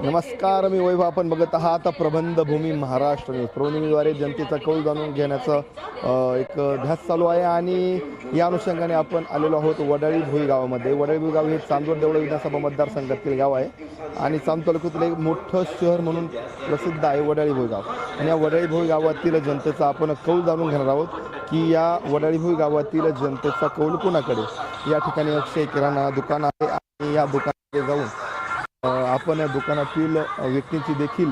नमस्कार, मी वैभव. आपण बघत आहात प्रबंधभूमी महाराष्ट्र न्यूज. प्रबंधभूमीद्वारे जनतेचा कौल जाणून घेण्याचा एक ध्यास चालू आहे आणि या अनुषंगाने आपण आलेलो आहोत वडाळी भोई गावामध्ये. वडाळी भोई गाव हे चांदवड देवळा विधानसभा मतदारसंघातील गाव आहे आणि चांदवड तालुक्यातील एक मोठं शहर म्हणून प्रसिद्ध आहे वडाळी भोई गाव. आणि या वडाळी भोई गावातील जनतेचा आपण कौल जाणून घेणार आहोत की या वडाळी भोई गावातील जनतेचा कौल कोणाकडे. या ठिकाणी अक्षय किराणा दुकान आहे आणि या दुकानाकडे जाऊन आपण या दुकानातील व्यक्तींची देखील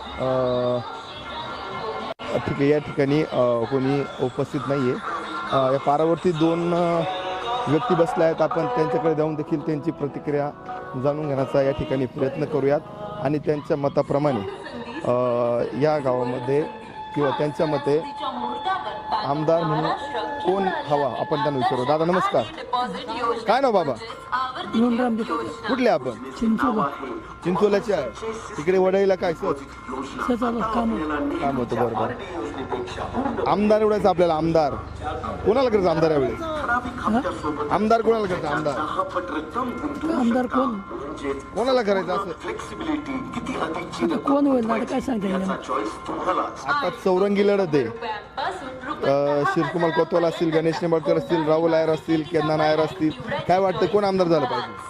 ठीक आहे, या ठिकाणी कोणी उपस्थित नाही आहे. या पारावरती दोन व्यक्ती बसल्या आहेत. आपण त्यांच्याकडे जाऊन देखील त्यांची प्रतिक्रिया जाणून घेण्याचा या ठिकाणी प्रयत्न करूयात आणि त्यांच्या मताप्रमाणे या गावामध्ये किंवा त्यांच्या मते आमदार म्हणून कोण हवा आपण त्यांना विचारू. दादा नमस्कार, काय नाव बाबा? कुठले आपण? चिंचोल्याचे आहे. तिकडे वडाईला काय काम होतं? बरोबर. आमदार एवढाच आपल्याला. आमदार कोणाला करायचं? आमदार यावेळेस आमदार कोणाला करायचं? आमदार कोणाला करायचं असं कोण होईल काय सांगता? आता चौरंगी लढत आहे. शिवकुमार कोतवाल असतील, गणेश निंबाळकर असतील, राहुल नायर असतील, केदार नायर असतील. काय वाटतं कोण आमदार झालं पाहिजे?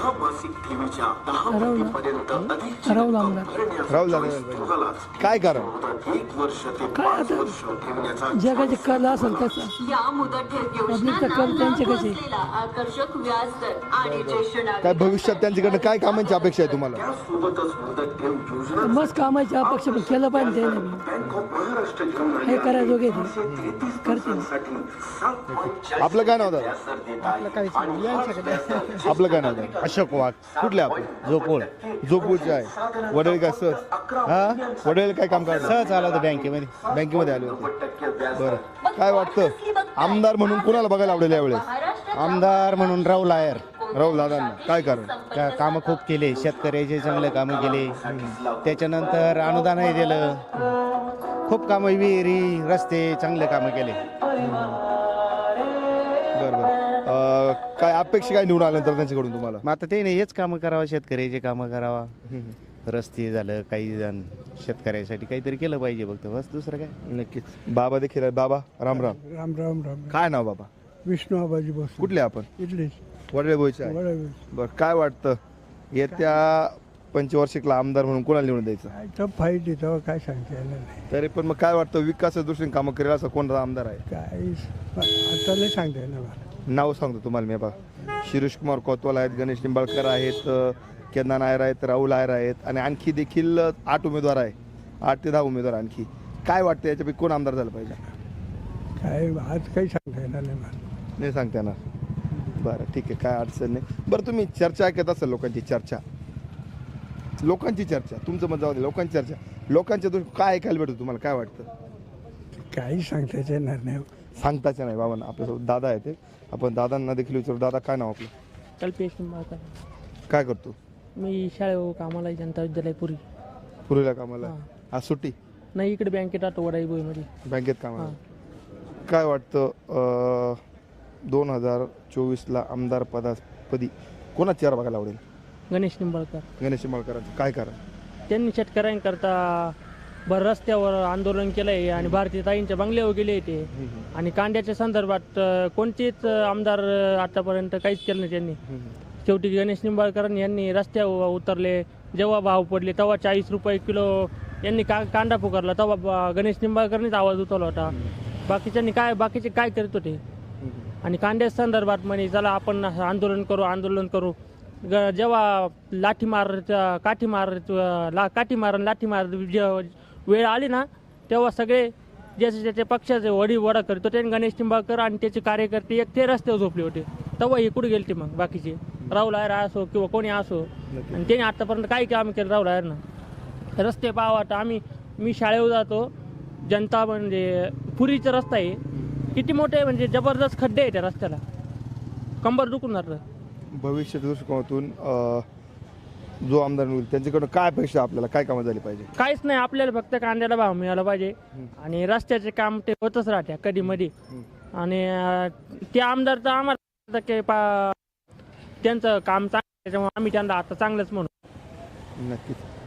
राहुल आमदार. राहुल झालं पाहिजे. काय कारण? काय आता जगाचे कल असेल तसं पब्लिकचा कल त्यांच्याकडे. काय भविष्यात त्यांच्याकडनं काय कामांची अपेक्षा आहे तुम्हाला? मस्त कामाची अपेक्षा पण केलं पाहिजे. हे करायजोगे करते. आपलं काय नाव दादा? आपलं काय नाव दादा? अशोक वाघ. कुठले आपण? जोपूरचे आहे. वडील काय सहज वडील काय काम करतात? सहज आला होता बँकेमध्ये आले होते. बरं, काय वाटतं आमदार म्हणून कोणाला बघायला आवडेल यावेळेस? आमदार म्हणून राहुल नायर. राहुल दादांना काय कारण? कामं खूप केले, शेतकऱ्याचे चांगले कामं केले. त्याच्यानंतर अनुदानही दिलं. खूप कामं, विहिरी, रस्ते, चांगले कामं केले. बरोबर. काय अपेक्षा काय निवडून आल्यानंतर त्यांच्याकडून तुम्हाला? मग आता ते नाही, हेच कामं करावं, शेतकऱ्याचे कामं करावा. रस्ते झालं, काही जण शेतकऱ्यासाठी काहीतरी केलं पाहिजे फक्त, बस. दुसरं काय? नक्कीच. बाबा देखील आहे. बाबा राम राम. राम राम राम. काय नाव बाबा? विष्णू आबाजी बोस. कुठले आपण? इथलेच. वडळे बोईचे आहे. बरं, काय वाटतं येत्या पंचवार्षिकला आमदार म्हणून कोणाला निवडून द्यायचं? फाईट तेव्हा काय सांगता येणार नाही. तरी पण मग काय वाटतं विकासाच्या दृष्टीने कामं करेल असं कोणता आमदार आहे? काय आता नाही सांगता येणार मला. नाव सांगतो तुम्हाला मी. बघा, शिरीष कुमार कोतवाल आहेत, गणेश निंबाळकर आहेत, केदार नायर आहेत, राहुल नायर आहेत आणि आणखी देखील 8 उमेदवार आहे. 8 ते 10 उमेदवार आणखी. काय वाटतं याच्यापैकी कोण आमदार झालं पाहिजे? काय आज काही सांगता येणार नाही मला. नाही सांगता येणार. बरं, ठीक आहे, काय अडचण नाही. बरं, तुम्ही चर्चा ऐकत असाल, लोकांची चर्चा तुमचं मत जाऊ दे. लोकांची चर्चा, लोकांच्या दृष्टी काय ऐकायला भेटतं तुम्हाला? काय वाटतं? काही सांगताच येणार नाही. सांगताच नाही. बाबा आपल्यासोबत दादा आहे, ते आपण दादांना देखील विचारू. दादा काय नाव आपलं? कल्पेश निंबाळकर. काय करतो? मी शाळेवर कामाला जनता विद्यालय पुरीला कामाला. आज सुट्टी नाही, इकडे बँकेत आतो वडाई बोईमध्ये. बँकेत कामाला. काय वाटतं 2024ला आमदार पदी कोणाची चेहरा बघायला आवडेल? गणेश निंबाळकर. गणेश निंबाळकरांचं काय कारण? त्यांनी शेतकऱ्यांकरता भर रस्त्यावर आंदोलन केलंय आणि भारतीय ताईंच्या बंगल्यावर गेले ते. आणि कांद्याच्या संदर्भात कोणतेच आमदार आतापर्यंत काहीच केलं नाही त्यांनी. शेवटी गणेश निंबाळकर यांनी रस्त्यावर उतरले. जेव्हा भाव पडले तेव्हा 40 रुपये किलो यांनी कांदा पुकारला, तेव्हा गणेश निंबाळकरनीच आवाज उठवला होता. बाकीचे काय करत होते? आणि कांद्या संदर्भात म्हणे चला आपण आंदोलन करू. जेव्हा काठी मार वेळ आली ना, तेव्हा सगळे ज्याचे ज्याच्या पक्षाचे वडा करतो ते गणेश निंबाळकर आणि त्याचे कार्यकर्ते एक ते रस्त्यावर झोपले होते. तेव्हा हे कुठे गेले ते मग बाकीचे? राहुल नायर असो किंवा कोणी असो, आणि त्याने आतापर्यंत काही काम केलं राहुल नायरनं? रस्ते पाहावा. मी शाळेवर जातो, जनता म्हणजे पुरीचा रस्ता आहे, किती मोठे म्हणजे जबरदस्त खड्डे आहे त्या रस्त्याला, कंबर दुखून जातं. भविष्याच्या दृष्टिकोनातून जो आमदार होईल त्यांच्याकडून काय अपेक्षा, आपल्याला काय कामं झाली पाहिजे? काहीच नाही, आपल्याला फक्त कांद्याला भाव मिळाला पाहिजे आणि रस्त्याचे काम ते होतच राहते कधी मध्ये. आणि ते आमदार तर आम्हाला त्यांचं काम चांगलं, त्याच्यामुळे आम्ही त्यांना आता चांगलंच म्हणू. नक्कीच.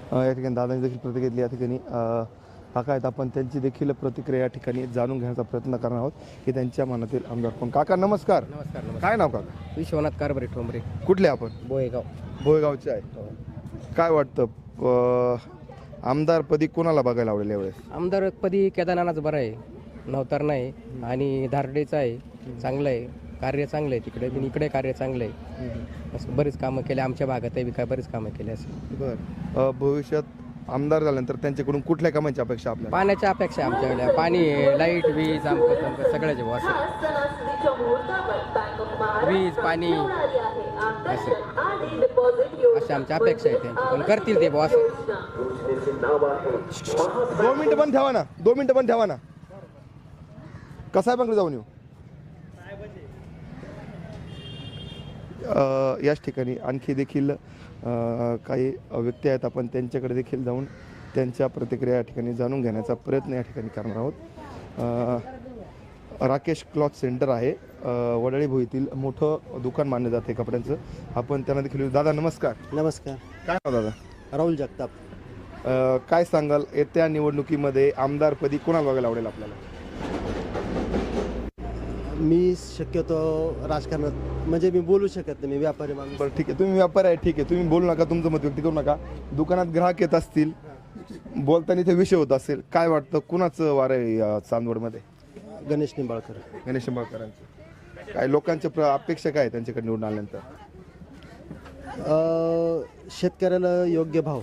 या ठिकाणी दादांनी देखील प्रतिक्रिया दिली. या ठिकाणी काका आहेत, आपण त्यांची देखील प्रतिक्रिया या ठिकाणी जाणून घेण्याचा प्रयत्न करणार आहोत की त्यांच्या मनातील आमदार कोण. काका नमस्कार. नमस्कार. काय नाव काका? विश्वनाथ कारभारी ठोंबरे, कुठले आपण? बोयगाव. भोयगावचे आहे. काय वाटतं आमदारपदी कोणाला बघायला आवडेल यावेळेस? आमदारपदी केदारनाथच बरं आहे, नवतार नाही आणि धारडेचं आहे, चांगलं आहे, कार्य चांगलं आहे तिकडे, पण इकडे कार्य चांगलं आहे. असं बरीच कामं केले आमच्या भागात आहे, काय बरीच कामं केली असं. बरं, भविष्यात आमदार झाल्यानंतर त्यांच्याकडून कुठल्या कामांची अपेक्षा आपल्याला? पाण्याच्या अपेक्षा आहे आमच्याकडे, पाणी, लाईट, वीज, आमकं तमकं सगळ्याचे भाऊ असं, वीज, पाणी असं अशा आमच्या अपेक्षा आहे त्यांची, पण करतील ते भाऊ असं. 2 मिनिटं पण ठेवा ना, 2 मिनिटं पण ठेवा ना. कसाहेबांकडे जाऊन येऊ. याच ठिकाणी आणखी देखील काही व्यक्ती आहेत, आपण त्यांच्याकडे देखील जाऊन त्यांच्या प्रतिक्रिया या ठिकाणी जाणून घेण्याचा प्रयत्न या ठिकाणी करणार आहोत. राकेश क्लॉथ सेंटर आहे, वडाळी भोईतील मोठं दुकान मानलं जाते कपड्यांचं. आपण त्यांना देखील. दादा नमस्कार. नमस्कार. काय नाव दादा? राहुल जगताप. काय सांगाल येत्या निवडणुकीमध्ये आमदारपदी कोणाला बघायला आवडेल आपल्याला? मी शक्यतो राजकारणात म्हणजे मी बोलू शकत नाही, मी व्यापारी माणूस. बरं ठीक आहे, तुम्ही व्यापारी आहे, ठीक आहे, तुम्ही बोलू नका, तुमचं मत व्यक्त करू नका. दुकानात ग्राहक येत असतील, बोलताना इथे विषय होत असेल, काय वाटतं कुणाचं वार आहे चांदवडमध्ये? गणेश निंबाळकर. गणेश निंबाळकरांचं. काय लोकांच्या अपेक्षा काय आहे त्यांच्याकडे निवडून आल्यानंतर? शेतकऱ्याला योग्य भाव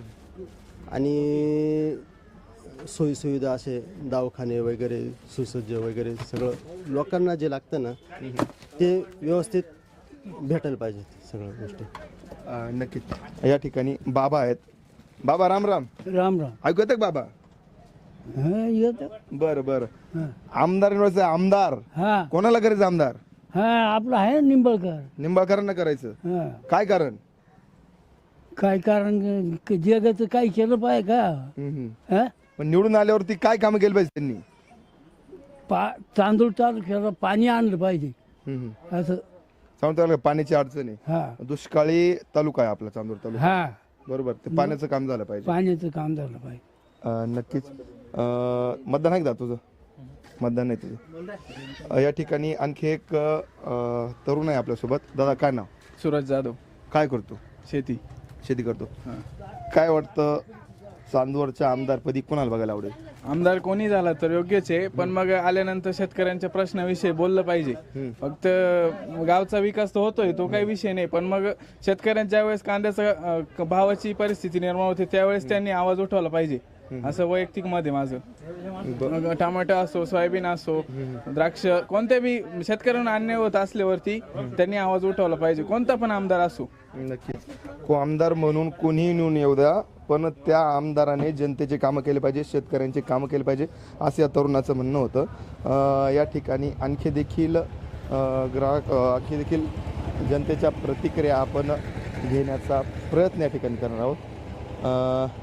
आणि सोयीसुविधा, असे दवाखाने वगैरे सुसज्ज वगैरे सगळं लोकांना जे लागतं ना ते व्यवस्थित भेटायला पाहिजे सगळ्या गोष्टी. नक्कीच. या ठिकाणी बाबा आहेत. बाबा राम राम. राम राम. ऐकू येतं का बाबा? हा येत. बरं बरं. आमदार निवडायचं. आमदार हा कोणाला करायचं आमदार? हा आपलं आहे ना निंबाळकर. निंबाळकरांना करायचं. हा काय कारण? काय कारण जगाचं काय केलं पाहिजे का? हा पण निवडून आल्यावरती काय कामं केली पाहिजे त्यांनी? तांदूळ तालुक्याला पाणी आणलं पाहिजे असं. चांदूर पाण्याची अडचण आहे. हा दुष्काळी तालुका आहे आपला चांदूर तालुका. हा बरोबर. ते पाण्याचं काम झालं पाहिजे. पाण्याचं काम झालं पाहिजे. नक्कीच. मतदान आहे का तुझं? मतदान नाही तुझं. या ठिकाणी आणखी एक तरुण आहे आपल्यासोबत. दादा काय नाव? सूरज जाधव. काय करतो? शेती करतो. काय वाटतं चांदवडच्या आमदारपदी कोणाला बघायला आवडेल? आमदार कोणी झाला तर योग्यच आहे, पण मग आल्यानंतर शेतकऱ्यांच्या प्रश्नाविषयी बोललं पाहिजे. फक्त गावचा विकास तर होतोय, तो काही विषय नाही, पण मग शेतकऱ्यांच्या वेळेस कांद्याचा भावाची परिस्थिती निर्माण होते त्यावेळेस त्यांनी आवाज उठवला पाहिजे, असं वैयक्तिक मत आहे माझं. मग टमाटो असो, सोयाबीन असो, द्राक्ष, कोणत्या बी शेतकऱ्यांना अन्याय होत असल्यावरती त्यांनी आवाज उठवला पाहिजे, कोणता पण आमदार असो. नक्कीच. आमदार म्हणून कोणीही निवडून येऊ द्या, पण त्या आमदाराने जनतेचे कामं केले पाहिजे, शेतकऱ्यांचे कामं केले पाहिजे, असं या तरुणाचं म्हणणं होतं. या ठिकाणी आणखी देखील आणखी देखील जनतेच्या प्रतिक्रिया आपण घेण्याचा प्रयत्न या ठिकाणी करणार आहोत.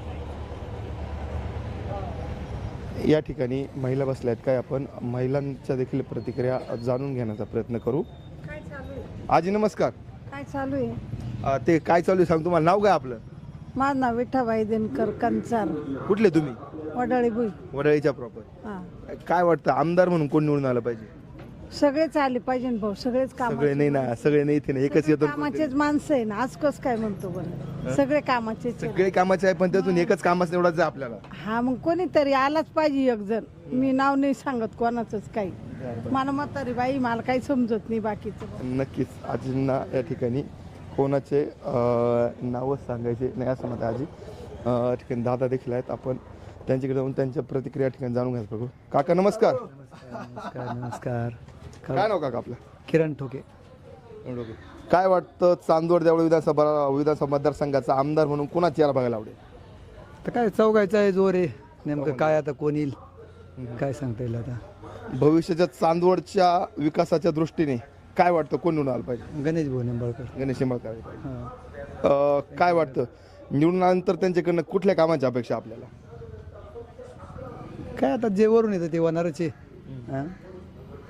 या ठिकाणी महिला बसल्या आहेत, काय आपण महिलांच्या देखील प्रतिक्रिया जाणून घेण्याचा प्रयत्न करू. आजी नमस्कार. काय चालू आहे? ते काय चालू आहे सांग. तुम्हाला नाव काय आपलं? माझं नाव विठाबाई दिनकर कंचार, कुठले तुम्ही? वडाळी भुई. वडाळीच्या प्रॉपर. हा काय वाटतं आमदार म्हणून कोण निवडून आलं पाहिजे? सगळेच आले पाहिजे ना भाऊ, सगळेच सगळे नाही ना, सगळे नाही इथे ना, एकच येतो. कामाचेच माणसं आहे ना, आज कस काय म्हणतो बरं, सगळे कामाचेच आहे. सगळे कामाचे आहे, पण त्यातून एकच कामाच निवडायचं आहे आपल्याला. हा मग कोणीतरी आलाच पाहिजे एक जण. मी नाव नाही सांगत कोणाचंच काही, मला म्हातारी बाई, मला काही समजत नाही बाकीचं. नक्कीच. आजींना या ठिकाणी कोणाचे नावं सांगायचे नाही असं मत आहे. आजी ठिकाणी दादा देखील आहेत, आपण त्यांच्याकडे जाऊन त्यांच्या प्रतिक्रिया ठिकाणी जाणून घ्यायचं बघू. काका नमस्कार. नमस्कार. काय नाव काका आपलं? किरण ठोके. काय वाटतं चांदवड देवळ विधानसभा मतदारसंघाचा आमदार म्हणून कोणाची याला बघायला आवडेल? तर काय चौघायचं आहे जोर आहे, नेमकं काय आता कोण येईल काय सांगता येईल आता. भविष्याच्या चांदवडच्या विकासाच्या दृष्टीने काय वाटतं कोण निवडून आलं पाहिजे? गणेश भाऊ निंबाळकर. गणेश निंबाळकर. काय वाटतं निवडून आल्यानंतर त्यांच्याकडनं कुठल्या कामाची अपेक्षा आपल्याला? काय आता जे वरून येतं ते होणारच आहे. हां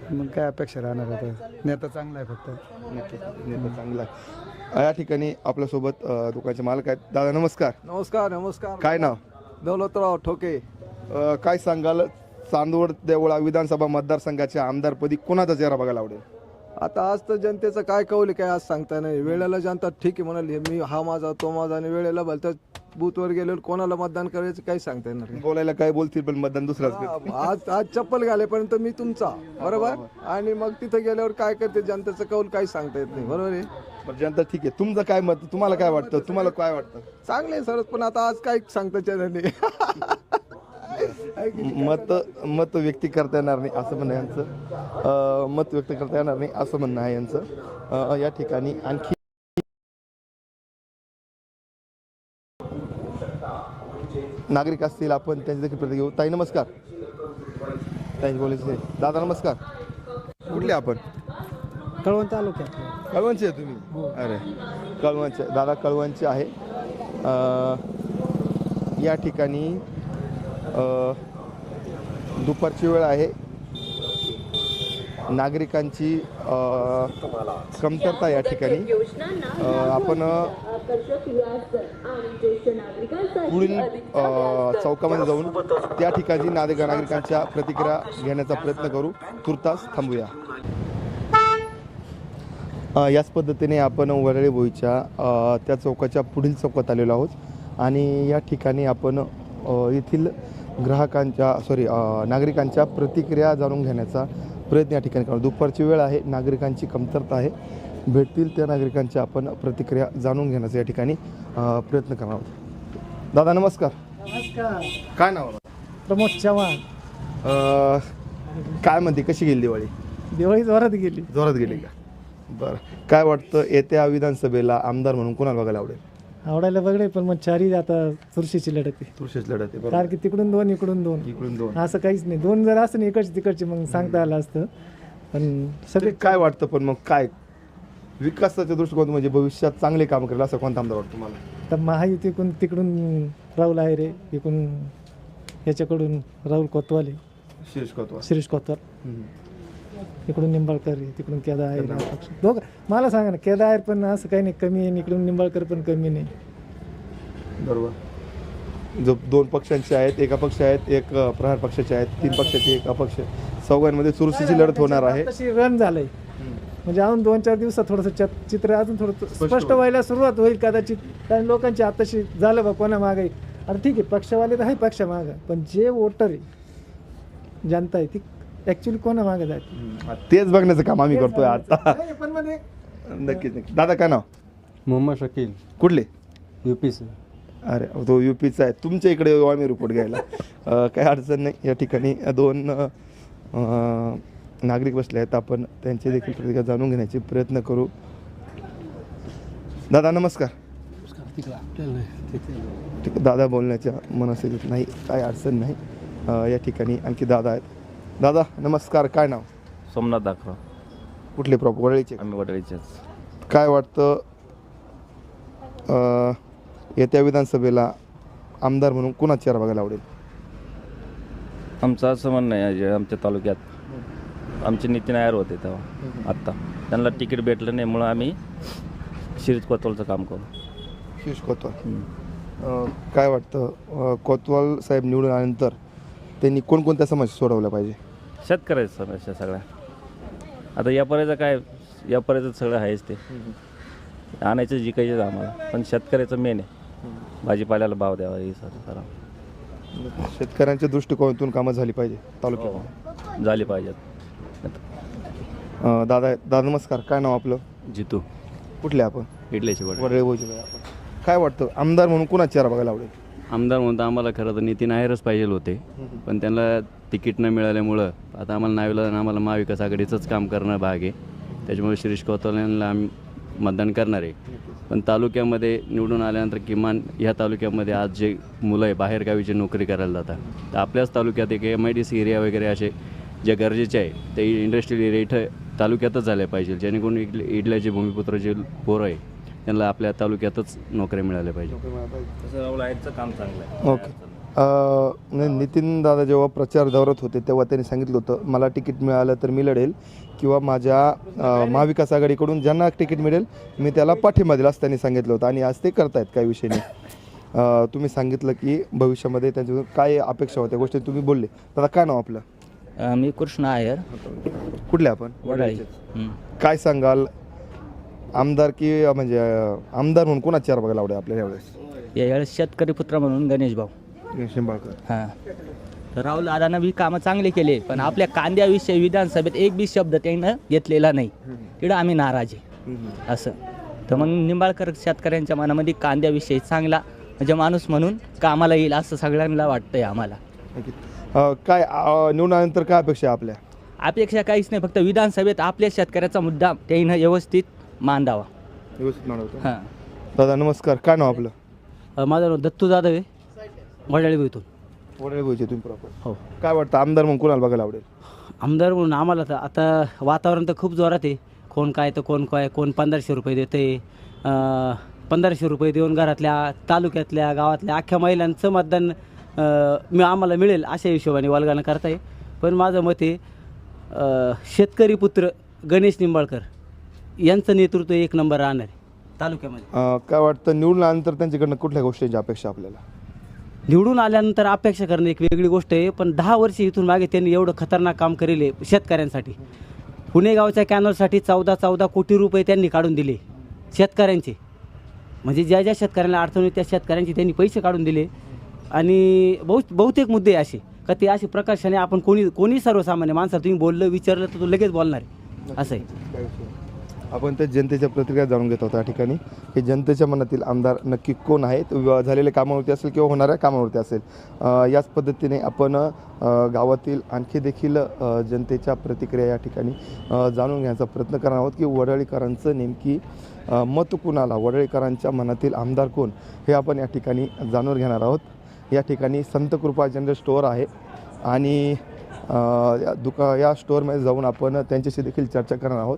मग काय अपेक्षा राहणार आता, नेता चांगला आहे फक्त. नेता चांगला आहे. या ठिकाणी आपल्यासोबत दुकानाचे मालक आहेत. दादा नमस्कार. नमस्कार नमस्कार. काय नाव? दौलतराव ठोके. काय सांगाल, चांदवड देवळा विधानसभा मतदारसंघाच्या आमदारपदी कोणाचा चेहरा बघायला आवडेल? आता आज तर जनतेचं काय कौल काय आज सांगता नाही. वेळेला जनता ठीक आहे म्हणाली, मी हा माझा तो माझा, आणि वेळेला भलत्या बूथवर गेल्यावर कोणाला मतदान करायचं काही सांगता येणार नाही. बोलायला काय बोलतील पण मतदान दुसराच करतील. आज आज चप्पल घालेपर्यंत मी तुमचा, बरोबर, आणि मग तिथे गेल्यावर काय करते जनतेचं कौल काही सांगता येत नाही. बरोबर आहे. पण जनता ठीक आहे. तुमचं काय मत? तुम्हाला काय वाटतं? तुम्हाला काय वाटतं? चांगले सरच, पण आता आज काही सांगता येणार नाही. मत व्यक्त करता येणार नाही असं म्हणणं आहे यांचं. मत व्यक्त करता येणार नाही असं म्हणणं आहे यांचं. या ठिकाणी आणखी नागरिक असतील, आपण त्यांची देखील प्रतिक्रिया घेऊ. ताई नमस्कार. ताई बोलायचे. दादा नमस्कार. कुठले आपण? कळवण तालुक्यात. कळवणचे आहे तुम्ही? अरे कळवणचे. दादा कळवणचे आहे. या ठिकाणी दुपारची वेळ आहे. नागरिकांची कमतरता या ठिकाणी. आपण पुढील चौकामध्ये जाऊन त्या ठिकाणी नागरिकांच्या प्रतिक्रिया घेण्याचा प्रयत्न करू. तुर्तास थांबूया. याच पद्धतीने आपण वरळी भोईच्या त्या चौकाच्या पुढील चौकात आलेलो आहोत आणि या ठिकाणी आपण येथील नागरिकांच्या प्रतिक्रिया जाणून घेण्याचा प्रयत्न या ठिकाणी करू. दुपारची वेळ आहे, नागरिकांची कमतरता आहे. भेटतील त्या नागरिकांच्या आपण प्रतिक्रिया जाणून घेण्याचा या ठिकाणी प्रयत्न करणार आहोत. दादा नमस्कार. नमस्कार. काय नाव? प्रमोद चव्हाण. काय म्हणते, कशी गेली दिवाळी? दिवाळी जोरात गेली. जोरात गेली का? बरं. काय वाटतं, येत्या विधानसभेला आमदार म्हणून कोणाला बघायला आवडेल? आवडायला बघडे, पण मग चारी आता चुरशीची लढत आहे. तुळशीची लढत आहे. कारण की तिकडून दोन इकडून दोन, इकडून दोन. असं काहीच नाही. दोन जर असं नाही इकडची तिकडची मग सांगता आलं असतं. पण सगळे काय वाटतं, पण मग काय विकासाच्या दृष्टिकोनातून म्हणजे भविष्यात चांगले काम करेल असं कोणता आमदार वाटतं तुम्हाला? तर महायुतीकडून तिकडून राहुल आहे रे, इकडून याच्याकडून राहुल कोतवाल, शिरीष कोतवाल, इकडून निंबाळकर आहे, तिकडून केदार आहे. दोघं मला सांगा ना, केदार आहे पण असं काही नाही कमी आहे, इकडून निंबाळकर पण कमी नाही. बरोबर. जो दोन पक्षांचे आहेत, एका पक्ष आहेत, एक प्रहार पक्षाचे आहेत, 3 पक्षाचे, एक अपक्ष, चौघांमध्ये चुरशीची लढत होणार आहे. तशी रन झालंय म्हणजे अजून 2-4 दिवसात थोडंसं चित्र अजून थोडं स्पष्ट व्हायला सुरुवात होईल कदाचित. कारण लोकांची आताशी झालं बा कोणा मागे. आता ठीक आहे, पक्षवाले तर आहे पक्षा मागं, पण जे वोटर आहे, जनता आहे, ती ऍक्च्युली कोणा मागे जाते तेच बघण्याचं काम आम्ही करतोय आता. पण मध्ये नक्कीच नक्की. दादा काय नाव? मोहम्मद शकील. कुठले? UP. अरे तो UPचा आहे. तुमच्या इकडे येऊ आम्ही रिपोर्ट घ्यायला. काही अडचण नाही. या ठिकाणी 2 नागरिक बसले आहेत, आपण त्यांचे देखील प्रतिक्रिया जाणून घेण्याचे प्रयत्न करू. दादा नमस्कार. ठीक. दादा बोलण्याच्या मनस्थितीत नाही, काही अडचण नाही. या ठिकाणी आणखी दादा आहेत. दादा नमस्कार. काय नाव? सोमनाथ दाखवा. कुठले प्रॉपर? वडळीचे. आम्ही वडळीचेच. काय वाटतं, येत्या विधानसभेला आमदार म्हणून कुणाचा चेहरा बघायला आवडेल? आमचं असं म्हणणं आहे, जे आमच्या तालुक्यात आमचे नितीन नायर होते तेव्हा, आत्ता त्यांना तिकीट भेटलं नाही, म्हणून आम्ही शिरीष कोतवालचं काम करू. शिरीष कोतवाल. काय वाटतं, कोतवाल साहेब निवडून आल्यानंतर त्यांनी कोणकोणत्या समस्या सोडवल्या पाहिजे? शेतकऱ्याच्या समस्या सगळ्या. आता यापर्यंत काय, यापर्यंत सगळं आहेच, ते आणायचं जिकायचं आम्हाला, पण शेतकऱ्याचं मेन आहे. भाजीपाल्याला भाव द्यावा, हे सगळं शेतकऱ्यांच्या दृष्टिकोनातून कामं झाली पाहिजे तालुक्यात, झाली पाहिजेत. दादा नमस्कार. काय नाव आपलं? जितू. कुठले आपण? इडल्याची वडळे भोजन. काय वाटतं, आमदार म्हणून कुणाचा चेहरा बघायला आवडेल? आमदार म्हणून आम्हाला खरं तर नितीन नायरच पाहिजे होते, पण त्यांना तिकीट न मिळाल्यामुळं आता आम्हाला नावीला आम्हाला महाविकास आघाडीचंच काम करणं भाग आहे. त्याच्यामुळे शिरीष कोतवाल यांना आम्ही मतदान करणार आहे. पण तालुक्यामध्ये निवडून आल्यानंतर किमान ह्या तालुक्यामध्ये आज जे मुलं आहे बाहेरगावीची नोकरी करायला जातात, तर आपल्याच तालुक्यात एक MIDC एरिया वगैरे असे जे गरजेचे आहे ते इंडस्ट्रियल एरिया इथं तालुक्यातच झाले पाहिजे, जेणेकरून इडल्याचे भूमिपुत्र जे पोरं आहे त्यांना आपल्या तालुक्यातच नोकऱ्या मिळाल्या पाहिजे. तसं राहुल आहेरचं काम चांगलं आहे. ओके. नितीन दादा जेव्हा प्रचार दौऱ्यात होते तेव्हा त्यांनी सांगितलं होतं मला तिकीट मिळालं तर मी लढेल किंवा माझ्या महाविकास आघाडीकडून ज्यांना तिकीट मिळेल मी त्याला पाठिंबा दिला असं त्यांनी सांगितलं होतं आणि आज ते करतायत काही विषय नाही. तुम्ही सांगितलं की भविष्यामध्ये त्यांच्या काय अपेक्षा होत्या गोष्टी तुम्ही बोलले. दादा काय नाव आपलं? मी कृष्ण आयर, कुठले आपण? वडाळी. काय सांगाल आमदार की म्हणजे आमदार म्हणून कोणाची चेहरा बघायला आवडेल आपल्याला यावेळेस? यावेळेस शेतकरी पुत्र म्हणून गणेश भाऊ. हां, तर राहुल दादानं बी कामं चांगले केले, पण आपल्या कांद्याविषयी विधानसभेत एक बी शब्द त्यानं घेतलेला नाही. तिकडं आम्ही नाराज आहे असं. तर मग निंबाळकर शेतकऱ्यांच्या मनामध्ये कांद्याविषयी चांगला म्हणजे माणूस म्हणून कामाला येईल असं सगळ्यांना वाटतंय आम्हाला. काय निवडल्यानंतर काय अपेक्षा आहे आपल्या? अपेक्षा काहीच नाही, फक्त विधानसभेत आपल्या शेतकऱ्याचा मुद्दा त्यानं व्यवस्थित मांडावा. व्यवस्थित मांडवतो. हां. दादा नमस्कार, काय नाव आपलं? माझं नाव दत्तू जाधव आहे, वडाळी भुईतून. वडील बोलचे तुम्ही प्रॉपर. हो. काय वाटतं आमदार म्हणून कोणाला बघायला आवडेल? आमदार म्हणून आम्हाला तर आता वातावरण तर खूप जोरात आहे. कोण काय तर कोण काय, कोण 1500 रुपये देते. 1500 रुपये देऊन घरातल्या, तालुक्यातल्या, गावातल्या अख्ख्या महिलांचं मतदान आम्हाला मिळेल अशा हिशोबाने वालगाणं करताय. पण माझं मत आहे शेतकरी पुत्र गणेश निंबाळकर यांचं नेतृत्व एक नंबर राहणार आहे तालुक्यामध्ये. काय वाटतं निवडून आल्यानंतर त्यांच्याकडनं कुठल्या गोष्टींची अपेक्षा आपल्याला? निवडून आल्यानंतर अपेक्षा करणं एक वेगळी गोष्ट आहे, पण 10 वर्ष इथून मागे त्यांनी एवढं खतरनाक काम केले शेतकऱ्यांसाठी. पुणे गावच्या कॅनलसाठी 14 कोटी रुपये त्यांनी काढून दिले शेतकऱ्यांचे. म्हणजे ज्या ज्या शेतकऱ्यांना अडचण होती त्या शेतकऱ्यांचे त्यांनी पैसे काढून दिले. आणि बहुतेक मुद्दे असे का ते असे प्रकर्षाने आपण कोणी सर्वसामान्य माणसाला तुम्ही बोललं विचारलं तर तो लगेच बोलणार आहे असं आहे. आपण त्या जनतेच्या प्रतिक्रिया जाणून घेत आहोत या ठिकाणी की जनतेच्या मनातील आमदार नक्की कोण आहेत, झालेल्या कामावरती असेल किंवा होणाऱ्या कामावरती असेल. याच पद्धतीने आपण गावातील आणखी देखील जनतेच्या प्रतिक्रिया या ठिकाणी जाणून घेण्याचा प्रयत्न करणार आहोत की वडाळीकरांचं नेमकी मत कुणाला, वडाळीकरांच्या मनातील आमदार कोण हे आपण या ठिकाणी जाणून घेणार आहोत. या ठिकाणी संत कृपा जनरल स्टोअर आहे आणि या स्टोअरमध्ये जाऊन आपण त्यांच्याशी देखील चर्चा करणार आहोत.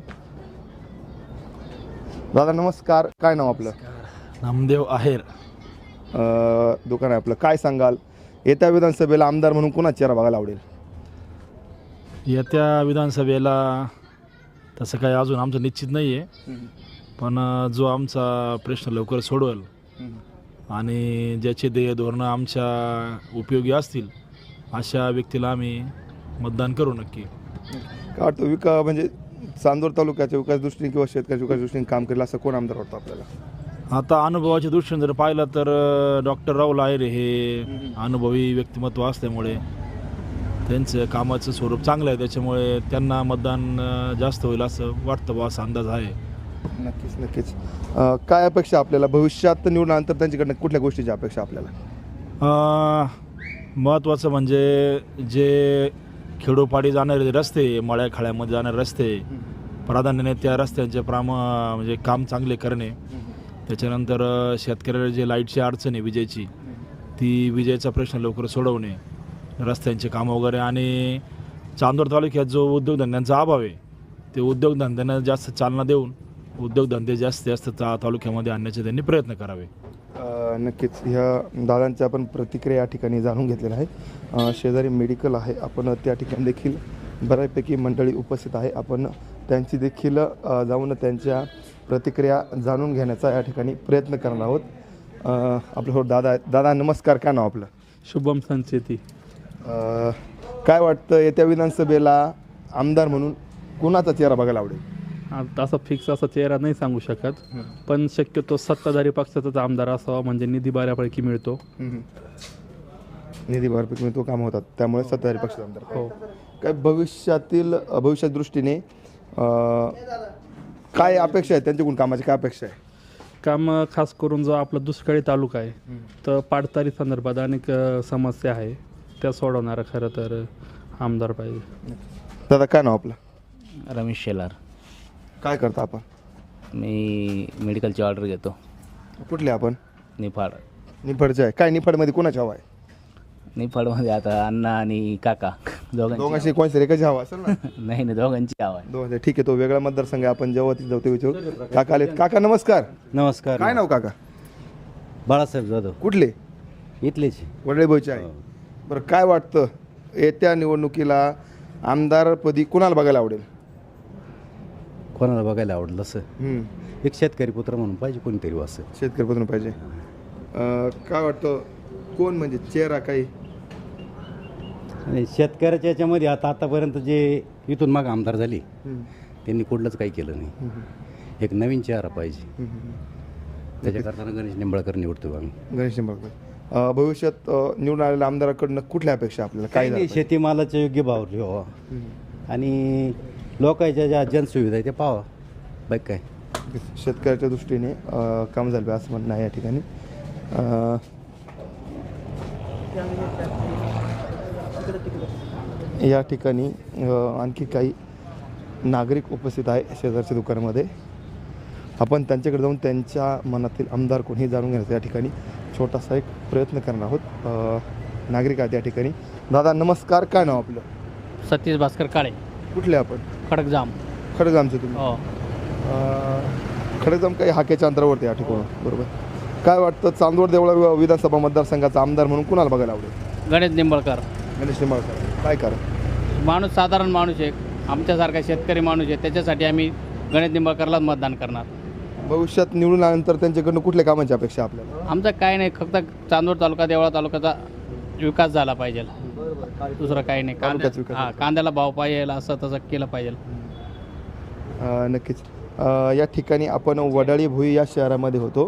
दादा नमस्कार, काय नाव आपलं? नामदेव आहेर. दुकान आहे आपलं. काय सांगाल येत्या विधानसभेला आमदार म्हणून कोणाची चेहरा बघायला आवडेल? येत्या विधानसभेला तसं काही अजून आमचं निश्चित नाही आहे, पण जो आमचा प्रश्न लवकर सोडवेल आणि ज्याचे ध्येय धोरणं आमच्या उपयोगी असतील अशा व्यक्तीला आम्ही मतदान करू नक्की. काय वाटतं म्हणजे चांदोर तालुक्याच्या विकास दृष्टीने किंवा शेतकऱ्याच्या विकास दृष्टीने काम केलं असं कोण आमदार वाटतं आपल्याला? आता अनुभवाच्या दृष्टीने जर पाहिलं तर डॉक्टर राहुल आहेर हे अनुभवी व्यक्तिमत्व असल्यामुळे त्यांचं कामाचं स्वरूप चांगलं आहे, त्याच्यामुळे त्यांना मतदान जास्त होईल असं वाटतं बा, असा अंदाज आहे. नक्कीच. काय अपेक्षा आपल्याला भविष्यात निवडल्यानंतर त्यांच्याकडनं कुठल्या गोष्टीची अपेक्षा आपल्याला? महत्त्वाचं म्हणजे जे खेडोपाडी जाणारे रस्ते, मळ्याखाड्यामध्ये जाणारे रस्ते, प्राधान्याने त्या रस्त्यांचे म्हणजे काम चांगले करणे. त्याच्यानंतर शेतकऱ्याला जे लाईटची अडचण आहे विजेची, ती विजेचा प्रश्न लवकर सोडवणे, रस्त्यांचे कामं वगैरे. आणि चांदोर तालुक्यात जो उद्योगधंद्यांचा अभाव आहे ते उद्योगधंद्यांना जास्त चालना देऊन उद्योगधंदे जास्त तालुक्यामध्ये आणण्याचे त्यांनी प्रयत्न करावे. नक्कीच ह्या दादांच्या आपण प्रतिक्रिया या ठिकाणी जाणून घेतलेल्या आहेत. शेजारी मेडिकल आहे, आपण त्या ठिकाणी देखील बऱ्यापैकी मंडळी उपस्थित आहे. आपण त्यांची देखील जाऊन त्यांच्या प्रतिक्रिया जाणून घेण्याचा या ठिकाणी प्रयत्न करणार आहोत. आपल्यासोबत दादा आहेत. दादा नमस्कार, काय नाव आपलं? शुभम संचेती. काय वाटतं येत्या विधानसभेला आमदार म्हणून कुणाचा चेहरा बघायला आवडेल? असा फिक्स असा चेहरा नाही सांगू शकत, पण शक्यतो सत्ताधारी पक्षाचाच आमदार असावा, म्हणजे निधी बऱ्यापैकी मिळतो. निधी बऱ्यापैकी मिळतो, काम होतात, त्यामुळे सत्ताधारी पक्षाचा आमदार. हो. काय भविष्याच्या दृष्टीने काय अपेक्षा आहे त्यांच्याकडून, कामाची काय अपेक्षा आहे? काम खास करून जो आपला दुष्काळी तालुका आहे तर पाडतारी संदर्भात अनेक समस्या आहे, त्या सोडवणारा खरं तर आमदार पाहिजे. दादा काय नाव आपलं? रमेश शेलार. काय करता आपण? मी मेडिकलची ऑर्डर घेतो. कुठले आपण? निफाड. निफाडचे आहे. काय निफाडमध्ये कोणाची हवा आहे? निफाडमध्ये आता अण्णा आणि काका दोघांशी कोणत्या एकाची हवा असेल ना? नाही, दोघांची हवा आहे. दोघांची. ठीक आहे, तो वेगळा मतदारसंघ आहे, आपण जेव्हा तिथे जाऊ ते विचारू. काका आलेत. काका नमस्कार. नमस्कार. काय नाव काका? बाळासाहेब जाधव. कुठले? इथलेच वडळे भोईचे आहे. बरं, काय वाटतं येत्या निवडणुकीला आमदारपदी कुणाला बघायला आवडेल? कोणाला बघायला आवडलं असं एक शेतकरी पुत्र म्हणून पाहिजे कोणीतरी असं. शेतकरी पद्धतीने पाहिजे. काय वाटतं कोण म्हणजे चेहरा काही? आणि शेतकऱ्याच्या याच्यामध्ये आतापर्यंत जे इथून माग आमदार झाले त्यांनी कुठलंच काही केलं नाही. एक नवीन चेहरा पाहिजे. त्याच्याकरता गणेश निंबाळकर निवडतो आम्ही. गणेश निंबाळकर. भविष्यात निवडून आलेल्या आमदाराकडनं कुठल्या अपेक्षा आपल्याला? काय नाही, शेतीमालाचे योग्य भाव ठेवा आणि लोकांच्या ज्या जनसुविधा आहे ते पाहावा. बाईक काय शेतकऱ्याच्या दृष्टीने काम झालं पाहिजे असं म्हणणं आहे या ठिकाणी. या ठिकाणी आणखी काही नागरिक उपस्थित आहे शेजारच्या दुकानामध्ये. आपण त्यांच्याकडे जाऊन त्यांच्या मनातील आमदार कोणी जाणून घेण्याचा या ठिकाणी छोटासा एक प्रयत्न करणार आहोत. नागरिक आहेत या ठिकाणी. दादा नमस्कार, काय नाव आपलं? सतीश भास्कर काळे. कुठले आपण? खडकजाम. खडकजामचे तुम्ही? हो. खडकजाम काही हाकेच्या अंतरावरती या ठिकाणी, बरोबर. काय वाटतं चांदवड देवळा विधानसभा मतदारसंघाचा आमदार म्हणून कुणाला बघायला आवडेल? गणेश निंबाळकर. गणेश निंबाळकर. काय कारण? माणूस साधारण माणूस आहे, आमच्यासारखा शेतकरी माणूस आहे, त्याच्यासाठी आम्ही गणेश निंबाळकरलाच मतदान करणार. भविष्यात निवडून आल्यानंतर त्यांच्याकडनं कुठल्या कामांची अपेक्षा आपल्याला? आमचं काय नाही, फक्त चांदवड तालुका देवळा तालुक्याचा विकास झाला पाहिजे, दुसरं काही नाही. कांद्याला भाव पाहिजे, असं तसं केलं पाहिजे. नक्कीच. या ठिकाणी आपण वडाळी भुई या शहरामध्ये होतो.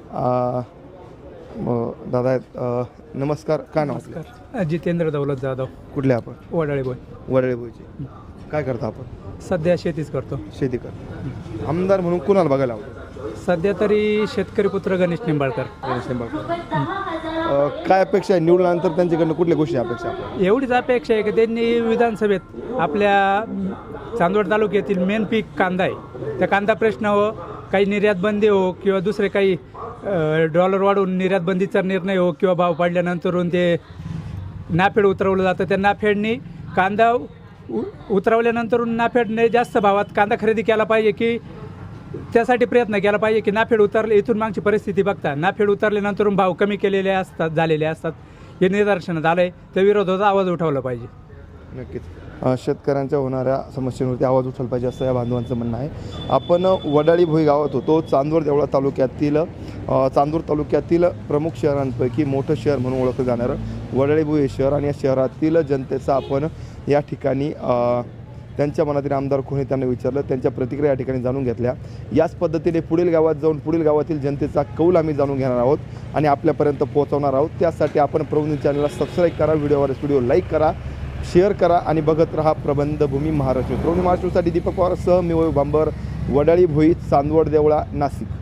दादा नमस्कार, काय नाव? नमस्कार, जितेंद्र दौलत जाधव. कुठले आपण? वडाळी भोई. वडाळी भुईचे. काय करता आपण? सध्या शेतीच करतो. शेती करतो. आमदार म्हणून कुणाला बघायला आवडेल? सध्या तरी शेतकरी पुत्र गणेश निंबाळकर. गणेश निंबाळकर. काय अपेक्षा आहे निवडल्यानंतर त्यांच्याकडनं कुठल्या गोष्टी अपेक्षा आहे? एवढीच अपेक्षा आहे की त्यांनी विधानसभेत आपल्या चांदवड तालुक्यातील मेन पीक कांदा आहे, त्या कांदा प्रश्न हो, काही निर्यात बंदी हो किंवा दुसरे काही डॉलर वाढवून निर्यात बंदीचा निर्णय हो किंवा भाव पाडल्यानंतरून ते नाफेड उतरवलं जातं, त्या नाफेडनी कांदा उतरवल्यानंतरून नाफेडने जास्त भावात कांदा खरेदी केला पाहिजे, की त्यासाठी प्रयत्न केला पाहिजे की नाफेड उतरले. इथून मागची परिस्थिती बघता नाफेड उतरल्यानंतरून भाव कमी केलेले असतात, झालेले असतात. हे निदर्शनात आलं आहे, त्या विरोधात आवाज उठवला पाहिजे. नक्कीच. शेतकऱ्यांच्या होणाऱ्या समस्यांवरती आवाज उठवला पाहिजे असं या बांधवांचं म्हणणं आहे. आपण वडाळी भोई गावात होतो. चांदवड देवळा तालुक्यातील प्रमुख शहरांपैकी मोठं शहर म्हणून ओळखलं जाणारं वडाळी भोई हे शहर, आणि या शहरातील जनतेचा आपण या ठिकाणी त्यांच्या मनातील आमदार कोणी त्यांना विचारलं, त्यांच्या प्रतिक्रिया या ठिकाणी जाणून घेतल्या. याच पद्धतीने पुढील गावात जाऊन पुढील गावातील जनतेचा कौल आम्ही जाणून घेणार आहोत आणि आपल्यापर्यंत पोहोचवणार आहोत. त्यासाठी आपण प्रबंध चॅनलला सबस्क्राईब करा, व्हिडिओ लाईक करा, शेअर करा आणि बघत रहा प्रबंधभूमी महाराष्ट्र. प्रबंध महाराष्ट्रासाठी दीपक पवार सह मी वैभव बांबर, वडाळी भोई, चांदवड देवळा, नाशिक.